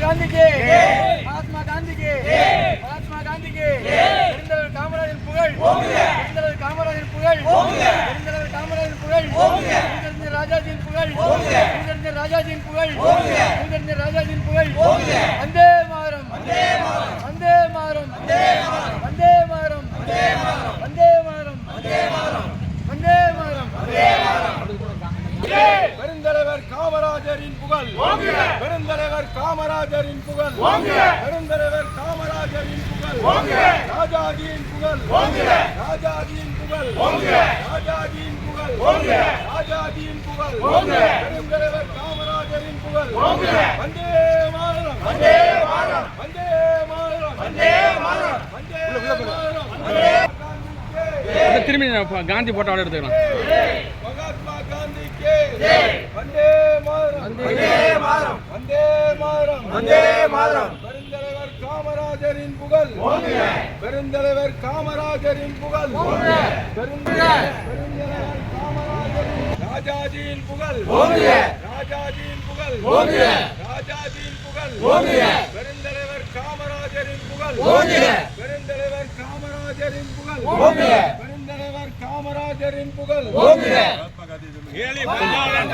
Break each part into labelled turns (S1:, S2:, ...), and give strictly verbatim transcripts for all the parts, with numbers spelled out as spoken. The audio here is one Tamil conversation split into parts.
S1: காந்திக்கு மகாத்மா காந்திக்கு மகாத்மா காந்திக்கு பெருந்தலைவர் காமராஜர் புகழ் பெருந்தலைவர் காமராஜர் புகழ் பெருந்தலைவர் காமராஜர் புகழ் பூஜ்ய ராஜாஜியின் புகழ் பூஜ்ய ராஜாஜியின் புகழ் பூஜ்ய ராஜாஜியின் புகழ் வந்தே மாதரம் வந்தே மாதரம் வந்தே மாதரம் வந்தே மாதரம் வந்தே மாதரம் வந்தே மாதரம் வந்தே மாதரம் வந்தே மாதரம் பெருந்தலைவர் காமராஜரின் புகழ் பெருந்தலைவர் காமராஜரின் புகழ் பெருந்தலைவர் காமராஜரின் புகழ் ராஜாஜியின் புகழ் ராஜாஜியின் புகழ் ராஜாஜியின் புகழ் ராஜாஜியின் புகழ் பெருந்தலைவர் காமராஜரின் புகழ் வந்தே மாதரம் வந்தே மாதரம் வந்தே மாதரம் வந்தே மாதரம் வந்தே மாதரம்
S2: திரும்பி காந்தி போட்டோ எடுத்துக்கலாம்.
S1: மகாத்மா காந்திக்கு வந்தே மாதரம் வந்தே மாதரம் வந்தே மாதரம் வந்தே மாதரம் பெருந்தலைவர் காமராஜரின் புகழ் பெருந்தலைவர் காமராஜரின் புகழ் பெருந்தலைவர் காமராஜரின் ராஜாஜியின் புகழ் ராஜாஜியின் புகழ் ராஜாஜியின் புகழ் பெருந்தலைவர் காமராஜரின் புகழ் பெருந்தலைவர் காமராஜரின் புகழ் பெருந்தலைவர் காமராஜரின் புகழ் ஏழி பங்காளன்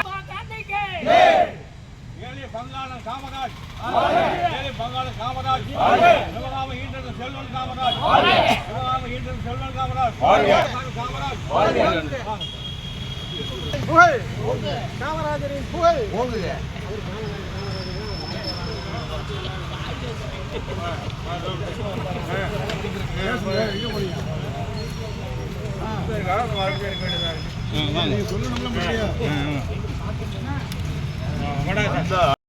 S1: ஏழி பங்காளன் காமராஜ் ஏழி பங்காளன் காமராஜ் சிவகாம ஈன்றது செல்வன் காமராஜ் சிவகாம ஈன்றது செல்வன் காமராஜ் காமராஜ் புகழ் காமராஜரின் புகழ் சொல்லணும்.